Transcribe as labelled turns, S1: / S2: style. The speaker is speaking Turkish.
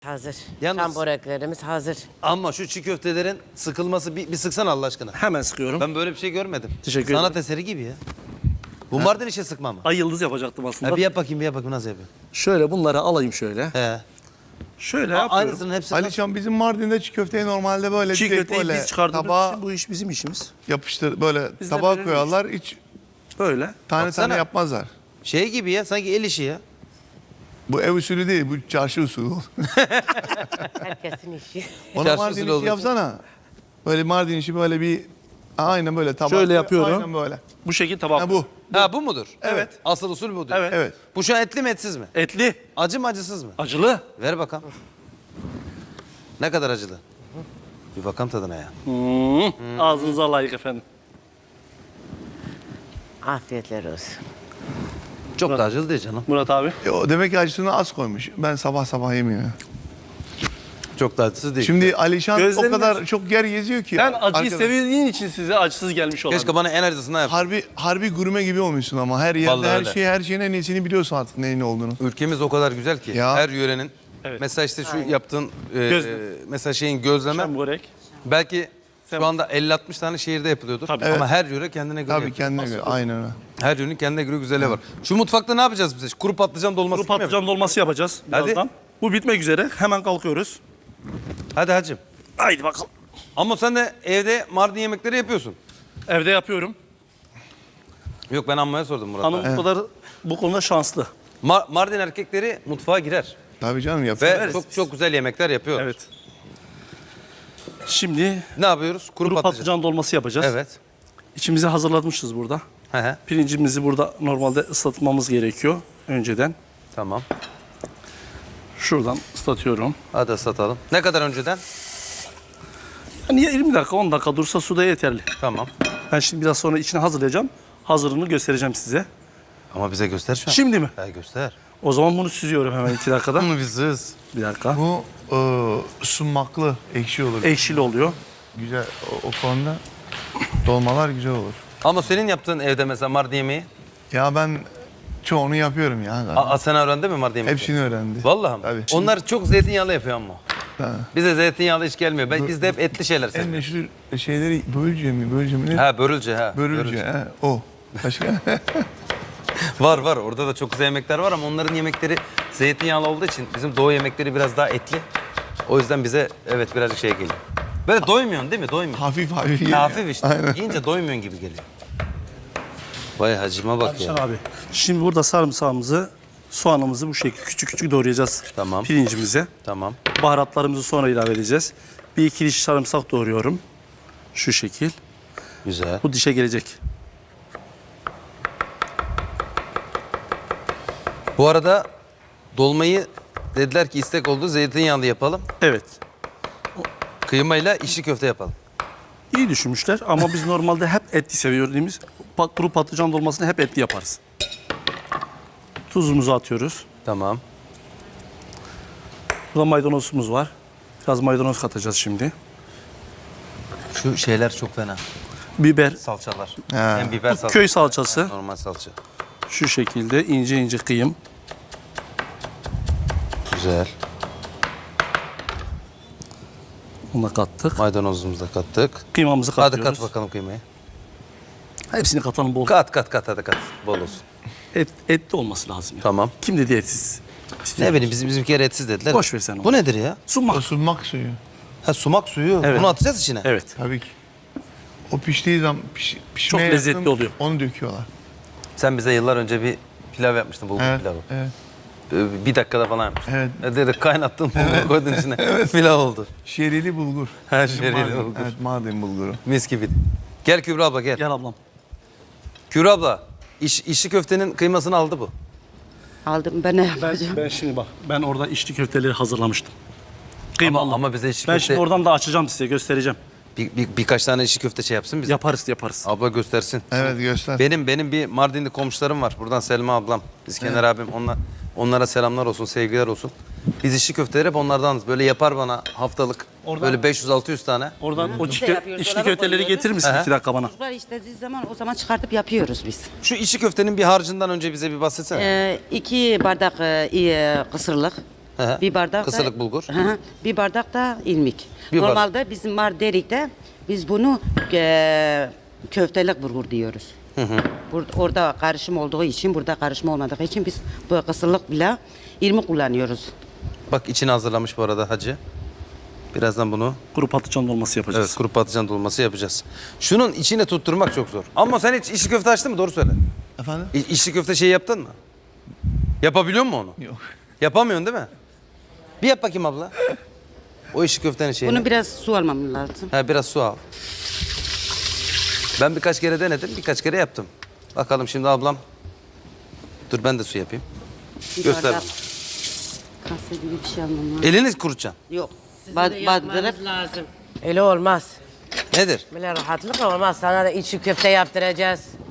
S1: Hazır.
S2: Yalnız-
S1: Şam böreklerimiz hazır.
S2: Ama şu çiğ köftelerin sıkılması bir sıksana Allah aşkına.
S3: Hemen sıkıyorum.
S2: Ben böyle bir şey görmedim.
S3: Teşekkür
S2: Sanat
S3: ederim.
S2: eseri gibi ya. Bu Mardin işe sıkma mı?
S3: Ay yıldız yapacaktım aslında.
S2: Ha, bir yap bakayım nasıl yapıyorsun?
S3: Şöyle bunları alayım şöyle.
S2: He.
S3: Şöyle yapıyorum.
S2: Aynısının hepsi.
S4: Alişan bizim Mardin'de çiğ köfteyi normalde böyle
S3: Çiğ
S4: direkt
S3: köfteyi
S4: böyle
S3: biz çıkardığımız
S4: tabağa
S3: için bu iş bizim işimiz.
S4: yapıştır böyle
S3: Biz de
S4: tabağa
S3: böyle
S4: koyarlar hiç
S3: Böyle.
S4: tane
S2: Baksana.
S4: tane yapmazlar.
S2: Şey gibi ya sanki el işi ya.
S4: Bu ev usulü değil bu çarşı usulü.
S1: Herkesin işi.
S4: Ona
S2: Çarşı
S4: Mardin
S2: usulü
S4: işi
S2: olduğu için.
S4: yapsana. Böyle Mardin işi böyle bir aynen böyle tabak.
S3: Şöyle yapıyorum.
S4: Aynen böyle.
S3: Bu şekilde tabak.
S4: Ha bu.
S2: Ha bu mudur?
S4: Evet.
S2: Asıl usul budur.
S3: Evet.
S4: Evet.
S2: Bu şu an etli mi etsiz mi?
S3: Etli,
S2: Acı mı acısız mı?
S3: acılı.
S2: Ver bakalım. Ne kadar acılı? Bir bakalım tadına ya.
S3: Ağzınıza layık efendim.
S1: Afiyetler olsun.
S2: Çok da acılı değil canım.
S3: Murat abi.
S4: O demek ki acısını az koymuş. Ben sabah sabah yemiyorum.
S2: Çok da acısız değil.
S4: Şimdi Alişan
S3: Gözlerini
S4: o kadar
S3: aç.
S4: çok yer geziyor ki.
S3: Sen acıyı
S4: arkadaş.
S3: sevdiğin için size acısız gelmiş olan.
S2: Keşke bana en acısını yap.
S4: Harbi gurme gibi olmuşsun ama her yerde
S2: Vallahi öyle.
S4: her şeyin en iyisini biliyorsun artık neyin ne olduğunu.
S2: Ülkemiz o kadar güzel ki.
S4: Ya.
S2: Her yörenin.
S3: Evet.
S2: Mesela işte şu yaptığın
S3: Gözleme.
S2: mesela şeyin gözleme.
S3: Şam börek.
S2: Belki şu anda 50-60 tane şehirde yapılıyordur.
S3: Tabii.
S2: Ama
S4: Evet.
S2: her yöre kendine göre
S4: Tabii
S2: yapıyor.
S4: kendine göre aynen öyle.
S2: Her yörenin kendine göre güzelliği var. Şu mutfakta ne yapacağız biz? Kuru patlıcan dolması
S3: Kuru
S2: gibi mi
S3: patlıcan dolması yapacağız
S2: Hadi.
S3: birazdan. Bu bitmek üzere. Hemen kalkıyoruz.
S2: yapıyoruz? Hadi hacım.
S3: Haydi bakalım.
S2: Ama sen de evde Mardin yemekleri yapıyorsun.
S3: Evde yapıyorum.
S2: Yok ben ammaya sordum Murat.
S3: Hanım bu kadar bu konuda şanslı.
S2: Mardin erkekleri mutfağa girer.
S4: Tabii canım yapıyor.
S2: Ve çok çok güzel yemekler yapıyor.
S3: Evet. Şimdi
S2: Ne yapıyoruz? Kuru,
S3: kuru
S2: patlıcan.
S3: patlıcan dolması yapacağız.
S2: Evet.
S3: İçimizi hazırlamışız burada.
S2: He he.
S3: Pirincimizi burada normalde ıslatmamız gerekiyor önceden.
S2: Tamam.
S3: Şuradan ıslatıyorum.
S2: Hadi ıslatalım. Ne kadar önceden?
S3: Yani 20 dakika 10 dakika dursa suda yeterli.
S2: Tamam.
S3: Ben şimdi biraz sonra içine hazırlayacağım. Hazırını göstereceğim size.
S2: Ama bize göster şu an.
S3: Şimdi mi?
S2: Ha, göster.
S3: O zaman bunu süzüyorum hemen 2 dakikada.
S2: Ama biziz.
S3: Bir dakika.
S4: Bu sumaklı ekşi olur.
S3: Ekşili oluyor.
S4: Güzel o konuda dolmalar güzel olur.
S2: Ama senin yaptığın evde mesela Mardin yemeği.
S4: Ya ben çoğunu yapıyorum ya.
S2: Sen öğrendin mi Mardin yemeği?
S4: Hepsini öğrendi.
S2: Vallahi mi?
S4: Tabii.
S2: Onlar çok zeytinyağlı yapıyor ama.
S4: Ha.
S2: Bize zeytinyağlı hiç gelmiyor. Bizde hep etli şeyler
S4: En
S2: seviyoruz.
S4: meşhur şeyleri börülce mi? Börülce mi? Ne?
S2: Ha börülce ha.
S4: Börülce. He, o. Başka?
S2: Var. Orada da çok güzel yemekler var ama onların yemekleri zeytinyağlı olduğu için bizim doğu yemekleri biraz daha etli. O yüzden bize evet birazcık şey geliyor. Böyle doymuyorsun değil mi? Doymuyorsun.
S4: hafif hafif yiyor.
S2: Hafif işte.
S4: Aynen.
S2: Yiyince doymuyorsun gibi geliyor. Vay hacıma bak ya.
S3: Abi. Şimdi burada sarımsağımızı, soğanımızı bu şekilde küçük küçük doğrayacağız.
S2: Tamam.
S3: Pirincimize.
S2: Tamam.
S3: Baharatlarımızı sonra ilave edeceğiz. Bir iki diş sarımsak doğruyorum. Şu şekil.
S2: Güzel.
S3: Bu dişe gelecek.
S2: Bu arada dolmayı dediler ki istek oldu zeytinyağlı yapalım.
S3: Evet.
S2: Kıymayla içli köfte yapalım.
S3: İyi düşünmüşler ama biz normalde hep etli seviyoruz. Kuru patlıcan dolmasını hep etli yaparız. Tuzumuzu atıyoruz.
S2: Tamam.
S3: Burada maydanozumuz var. Biraz maydanoz katacağız şimdi.
S2: Şu şeyler çok fena.
S3: Biber,
S2: Salçalar.
S4: Ha.
S2: Hem biber salçası.
S3: köy salçası.
S2: Normal salça.
S3: Şu şekilde ince ince kıyım.
S2: Güzel.
S3: Onu da kattık.
S2: Maydanozumuzu da kattık.
S3: Kıymamızı
S2: Hadi
S3: katıyoruz.
S2: kat bakalım kıymayı.
S3: Hepsini katalım bol.
S2: Kat hadi kat. Bol olsun.
S3: Etli olması lazım. Ya.
S2: Tamam.
S3: Kim dedi etsiz?
S2: Ne bileyim bizimkiler etsiz dediler.
S3: Boş ver sen onu.
S2: Bu nedir ya?
S3: Sunmak.
S4: O sumak suyu.
S2: Ha sumak suyu.
S3: Evet.
S2: Bunu atacağız içine.
S3: Evet.
S4: Tabii ki. O piştiği zaman pişmeye
S3: Çok lezzetli
S4: yakın
S3: oluyor.
S4: Onu döküyorlar.
S2: Sen bize yıllar önce bir pilav yapmıştın. Bulgur
S4: Evet.
S2: pilavı.
S4: Evet.
S2: Bir dakikada falan yapmıştın.
S4: Evet.
S2: Dedi kaynattın bulguru koydun içine. Pilav oldu.
S4: Şerili bulgur.
S2: Ha,
S4: Bizim
S2: şerili
S4: Mardin.
S2: bulgur.
S4: Evet Mardin bulguru.
S2: Mis gibi. Gel Kübra abla gel.
S3: Gel ablam.
S2: Kübra abla içli köftenin kıymasını aldı bu.
S1: Aldım ben ne yapacağım?
S3: Ben şimdi bak. Ben orada içli köfteleri hazırlamıştım. Kıymalı.
S2: Ama bize içli
S3: Ben
S2: köfte
S3: şimdi oradan da açacağım size göstereceğim.
S2: birkaç tane içli köfte şey yapsın bize.
S3: Yaparız.
S2: Abla göstersin.
S4: Evet göster.
S2: Benim bir Mardinli komşularım var. Buradan Selma ablam, İskender abim. Onlara selamlar olsun, sevgiler olsun. Biz içli köfteleri hep onlardanız. Böyle yapar bana haftalık.
S3: Oradan-
S2: Böyle 500-600 tane.
S3: Oradan o
S1: Biz de yapıyoruz,
S3: içli
S1: dolaba
S3: köfteleri
S1: koyuyoruz.
S3: getirir misin
S2: Aha.
S3: 2 dakika bana?
S1: Çocuklar istediği zaman o zaman çıkartıp yapıyoruz biz.
S2: Şu içli köftenin bir harcından önce bize bir bahsetsene.
S1: 2 bardak kısırlık,
S2: Hı.
S1: Bir bardak
S2: Kısırlık
S1: da,
S2: bulgur.
S1: Hı, bir bardak da irmik.
S2: Bir bardak.
S1: Normalde bizim Marderik'te biz bunu köftelik bulgur diyoruz. Orada karışım olduğu için, burada karışım olmadığı için biz bu kısırlık bile irmik kullanıyoruz.
S2: Bak içini hazırlamış bu arada hacı. Birazdan bunu
S3: Kuru patlıcan dolması yapacağız.
S2: evet, kuru patlıcan dolması yapacağız. Şunun içine tutturmak çok zor. Ama sen hiç içli köfte açtın mı? Doğru söyle.
S4: Efendim?
S2: İçli köfte şeyi yaptın mı? Yapabiliyor musun onu?
S4: Yok.
S2: Yapamıyorsun değil mi? Bir yap bakayım abla. O içli köftenin şeyini.
S1: Bunu biraz su almam lazım.
S2: Ha, biraz su al. Ben birkaç kere denedim, birkaç kere yaptım. Bakalım şimdi ablam. Dur ben de su yapayım.
S1: Bir
S2: Göster
S1: bardak
S2: bana.
S1: kase gibi bir şey almam lazım.
S2: Elini kurutacaksın.
S1: Yok.
S5: Yapmanız
S1: Bandırıp
S5: lazım. Öyle olmaz.
S2: Nedir?
S5: Böyle rahatlıkla olmaz. Sana da içi köfte yaptıracağız.